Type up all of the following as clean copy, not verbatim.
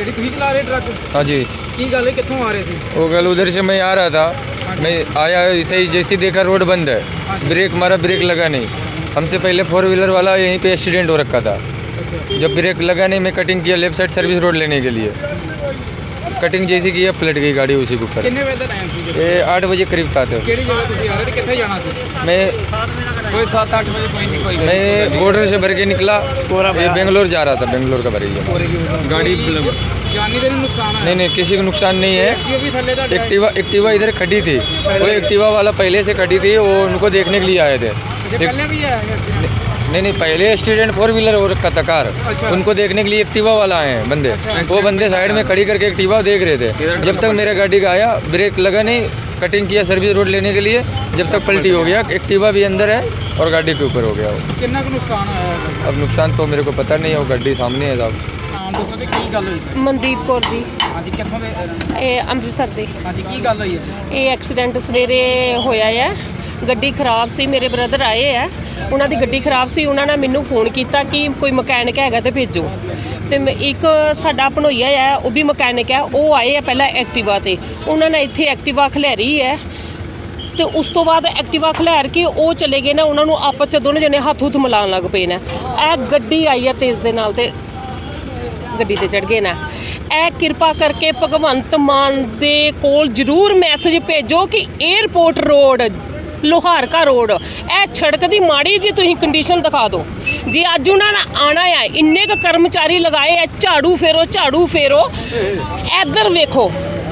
ਗੱਡੀ ਤੁਸੀਂ ਚਲਾ ਰਹੇ ਟਰੱਕ? हाँ जी। ਕੀ ਗੱਲ ਹੈ, ਕਿੱਥੋਂ ਆ ਰਹੇ ਸੀ? वो कल उधर से मैं आ रहा था, मैं आया ऐसे ही, जैसे देखा रोड बंद है, ब्रेक मारा, ब्रेक लगा नहीं। हमसे पहले 4 व्हीलर वाला यहीं पे एक्सीडेंट हो रखा था। अच्छा। जब ब्रेक लगा नहीं, मैं कटिंग किया लेफ्ट साइड सर्विस रोड लेने के लिए, कटिंग जैसी की पलट गई गाड़ी उसी के ऊपर। ਕਿੰਨੇ ਵਜੇ ਦਾ ਟਾਈਮ ਸੀ? ये 8 बजे करीब था। ਕਿਹੜੀ ਜਗ੍ਹਾ ਤੁਸੀਂ ਆ ਰਹੇ ਤੇ ਕਿੱਥੇ ਜਾਣਾ ਸੀ? मैं ਕੋਈ 7-8 ਵਜੇ ਕੋਈ ਨਹੀਂ ਕੋਈ मैं बॉर्डर से भर के निकला, ये बेंगलोर जा रहा था, बेंगलोर का भरी है गाड़ी। जानी देनी नुकसान है? नहीं किसी को नुकसान नहीं है। एक्टिवा भी थल्ले था? एक्टिवा इधर खड़ी थी, वो एक्टिवा वाला पहले से खड़ी थी, वो उनको देखने के लिए आए थे। पहले भी है एक्सीडेंट? नहीं पहले एक्सीडेंट 4 व्हीलर हो रखा था कार। अच्छा। उनको देखने के लिए एक्टिवा वाला आए हैं बंदे। अच्छा। वो बंदे साइड में खड़ी करके एक्टिवा देख रहे थे। जब तक मेरा गाड़ी का आया, ब्रेक लगा नहीं, कटिंग किया सर्विस रोड लेने के लिए, जब तक पलटी हो गया। एक्टिवा भी अंदर है और गाड़ी के ऊपर हो गया वो। कितना का नुकसान आया? अब नुकसान तो मेरे को पता नहीं है, वो गाड़ी सामने है साहब। ਨਾਮ ਦੱਸੋ ਤੇ ਕੀ ਗੱਲ ਹੋਈ ਸਰ? ਮਨਦੀਪ ਕੌਰ ਜੀ, ਹਾਂਜੀ, ਕਿੱਥੋਂ ਦੇ? ਇਹ ਅੰਮ੍ਰਿਤਸਰ ਦੇ। ਹਾਂਜੀ, ਕੀ ਗੱਲ ਹੋਈ ਹੈ? ਇਹ ਐਕਸੀਡੈਂਟ ਸਵੇਰੇ ਹੋਇਆ ਹੈ। ਗੱਡੀ ਖਰਾਬ ਸੀ, ਮੇਰੇ ਬ੍ਰਦਰ ਆਏ ਹੈ, ਉਹਨਾਂ ਦੀ ਗੱਡੀ ਖਰਾਬ ਸੀ। ਉਹਨਾਂ ਨੇ ਮੈਨੂੰ ਫੋਨ ਕੀਤਾ ਕਿ ਕੋਈ ਮਕੈਨਿਕ ਹੈਗਾ ਤੇ ਭੇਜੋ। ਤੇ ਇੱਕ ਸਾਡਾ ਭਣੋਈਆ ਹੈ, ਉਹ ਵੀ ਮਕੈਨਿਕ ਹੈ, ਉਹ ਆਏ ਆ ਪਹਿਲਾਂ ਐਕਟਿਵਾ ਤੇ। ਉਹਨਾਂ ਨੇ ਇੱਥੇ ਐਕਟਿਵਾ ਖਿਲਾਰੀ ਹੈ ਤੇ ਉਸ ਤੋਂ ਬਾਅਦ ਐਕਟਿਵਾ ਖਿਲਾਰ ਕੇ ਉਹ ਚਲੇ ਗਏ ਨਾ, ਉਹਨਾਂ ਨੂੰ ਆਪਸ 'ਚ ਦੋਨੋਂ ਜਣੇ ਹੱਥ ਹੁੱਥ ਮਿਲਾਉਣ ਲੱਗ ਪਏ ਨੇ। ਇਹ ਗੱਡੀ ਆਈ ਹੈ ਤੇਜ਼ ਦੇ ਨਾਲ ਤੇ ਗੱਡੀ ਤੇ ਚੜ ਗਏ ਨਾ। ਇਹ ਕਿਰਪਾ ਕਰਕੇ ਭਗਵੰਤ ਮਾਨ ਦੇ ਕੋਲ ਜ਼ਰੂਰ ਮੈਸੇਜ ਭੇਜੋ ਕਿ 에ਅਰਪੋਰਟ ਰੋਡ, ਲੋਹਾਰਕਾ ਰੋਡ, ਇਹ ਸੜਕ ਦੀ ਮਾੜੀ ਜੀ ਤੁਸੀਂ ਕੰਡੀਸ਼ਨ ਦਿਖਾ ਦਿਓ। ਜੇ ਅੱਜ ਉਹਨਾਂ ਨੇ ਆਣਾ ਆ, ਇੰਨੇ ਕੁ ਕਰਮਚਾਰੀ ਲਗਾਏ ਆ, ਝਾੜੂ ਫੇਰੋ, ਇੱਧਰ ਵੇਖੋ।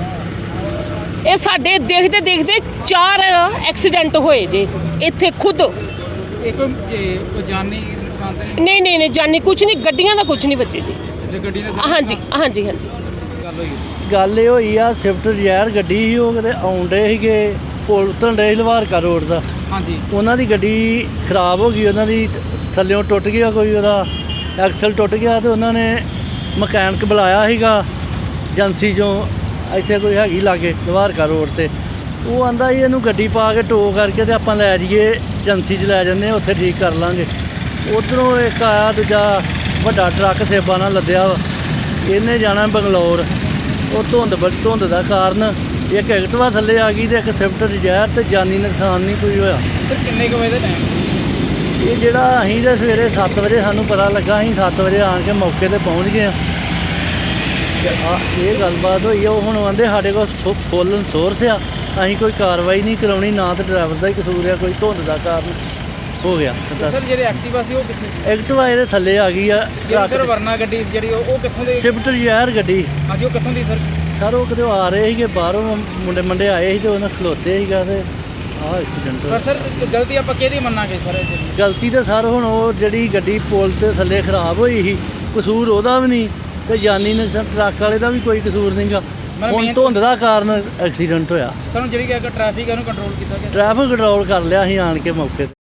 ਇਹ ਸਾਡੇ ਦੇਖਦੇ ਦੇਖਦੇ 4 ਐਕਸੀਡੈਂਟ ਹੋਏ ਜੇ ਇੱਥੇ ਖੁਦ। ਇਹ ਕੋਈ ਜਾਨੀ ਨੁਕਸਾਨ ਤਾਂ ਨਹੀਂ ਜਾਨੀ ਕੁਝ ਨਹੀਂ, ਗੱਡੀਆਂ ਦਾ ਕੁਝ ਨਹੀਂ ਬੱਚੇ ਜੀ। ਗੱਡੀ ਨੇ ਹਾਂਜੀ ਗੱਲ ਹੋਈ? ਗੱਲ ਇਹ ਹੋਈ ਆ, ਸਵਿਫਟ ਡਿਜ਼ਾਇਰ ਗੱਡੀ ਸੀ, ਉਹ ਕਿਤੇ ਆਉਂਦੇ ਸੀਗੇ, ਪੁਲ ਉਤਰਨ ਡੇ ਲਵਾਰਕਾ ਰੋਡ ਦਾ। ਹਾਂਜੀ। ਉਹਨਾਂ ਦੀ ਗੱਡੀ ਖਰਾਬ ਹੋ ਗਈ, ਉਹਨਾਂ ਦੀ ਥੱਲਿਓਂ ਟੁੱਟ ਗਿਆ, ਕੋਈ ਉਹਦਾ ਐਕਸਲ ਟੁੱਟ ਗਿਆ ਤੇ ਉਹਨਾਂ ਨੇ ਮਕੈਨਿਕ ਬੁਲਾਇਆ ਸੀਗਾ ਏਜੰਸੀ 'ਚੋਂ, ਇੱਥੇ ਕੋਈ ਹੈਗੀ ਲਾਗੇ ਲਵਾਰਕਾ ਰੋਡ 'ਤੇ। ਉਹ ਆਂਦਾ ਜੀ ਇਹਨੂੰ ਗੱਡੀ ਪਾ ਕੇ ਟੋ ਕਰਕੇ ਤੇ ਆਪਾਂ ਲੈ ਜਾਈਏ ਏਜੰਸੀ 'ਚ ਲੈ ਜਾਂਦੇ ਹਾਂ, ਉੱਥੇ ਠੀਕ ਕਰ ਲਾਂਗੇ। ਉੱਧਰੋਂ ਇੱਕ ਆਇਆ ਦੂਜਾ ਵੱਡਾ ਟਰੱਕ ਸੇਬਾਂ ਨਾਲ ਲੱਦਿਆ ਵਾ, ਇਹਨੇ ਜਾਣਾ ਬੰਗਲੌਰ। ਉਹ ਧੁੰਦ ਦਾ ਕਾਰਨ ਇੱਕ ਐਕਟਿਵਾ ਥੱਲੇ ਆ ਗਈ ਤੇ ਇੱਕ ਸਵਿਫਟ ਡਿਜ਼ਾਇਰ, ਤੇ ਜਾਨੀ ਨੁਕਸਾਨ ਨਹੀਂ ਕੋਈ ਹੋਇਆ। ਸਰ ਕਿੰਨੇ ਕੁ ਵਜੇ ਦਾ ਟਾਈਮ? ਇਹ ਜਿਹੜਾ ਅਸੀਂ ਤਾਂ ਸਵੇਰੇ 7 ਵਜੇ ਸਾਨੂੰ ਪਤਾ ਲੱਗਾ, ਅਸੀਂ 7 ਵਜੇ ਆਣ ਕੇ ਮੌਕੇ 'ਤੇ ਪਹੁੰਚ ਗਏ ਹਾਂ। ਇਹ ਗੱਲਬਾਤ ਹੋਈ ਆ। ਉਹ ਹੁਣ ਆਂਦੇ ਸਾਡੇ ਕੋਲ ਫੁੱਲ ਸੋਰਸ ਆ, ਅਸੀਂ ਕੋਈ ਕਾਰਵਾਈ ਨਹੀਂ ਕਰਾਉਣੀ, ਨਾ ਤਾਂ ਡਰਾਈਵਰ ਦਾ ਹੀ ਕਸੂਰ ਆ, ਕੋਈ ਧੁੰਦ ਦਾ ਕਾਰਨ ਹੋ ਗਿਆ। ਸਰ ਜਿਹੜੇ ਐਕਟਿਵਾ ਸੀ ਉਹ ਕਿੱਥੇ ਸੀ? ਐਕਟਿਵਾ ਇਹਦੇ ਥੱਲੇ ਆ ਗਈ ਆ। ਸਰ ਵਰਨਾ ਗੱਡੀ ਜਿਹੜੀ ਉਹ ਕਿੱਥੋਂ ਦੀ? ਸਵਿਫਟ ਡਿਜ਼ਾਇਰ ਗੱਡੀ। ਹਾਂਜੀ, ਉਹ ਕਿੱਥੋਂ ਦੀ ਸਰ? ਸਰ ਉਹ ਕਿਤੇ ਆ ਰਹੇ ਸੀਗੇ ਬਾਹਰੋਂ, ਮੁੰਡੇ ਆਏ ਸੀ ਤੇ ਉਹਨਾਂ ਖਲੋਤੇ ਸੀਗਾ ਤੇ ਆਹ ਐਕਸੀਡੈਂਟ ਹੋਇਆ। ਸਰ ਗਲਤੀ ਆਪਾਂ ਕਿਹਦੀ ਮੰਨਾਂਗੇ ਸਰ? ਗਲਤੀ ਤਾਂ ਸਰ ਹੁਣ ਉਹ ਜਿਹੜੀ ਗੱਡੀ ਪੁਲ ਤੇ ਥੱਲੇ ਖਰਾਬ ਹੋਈ ਸੀ, ਕਸੂਰ ਉਹਦਾ ਵੀ ਨਹੀਂ ਤੇ ਜਾਨੀ ਨੁਕਸਾਨ ਟਰੱਕ ਵਾਲੇ ਦਾ ਵੀ ਕੋਈ ਕਸੂਰ ਨਹੀਂਗਾ। ਹੁਣ ਧੁੰਦ ਦਾ ਕਾਰਨ ਐਕਸੀਡੈਂਟ ਹੋਇਆ। ਸਰ ਜਿਹੜੀ ਟ੍ਰੈਫਿਕ ਹੈ ਉਹਨੂੰ ਕੰਟਰੋਲ ਕੀਤਾ ਗਿਆ? ਟ੍ਰੈਫਿਕ ਕੰਟਰੋਲ ਕਰ ਲਿਆ ਅਸੀਂ ਆਣ ਕੇ ਮੌਕੇ 'ਤੇ।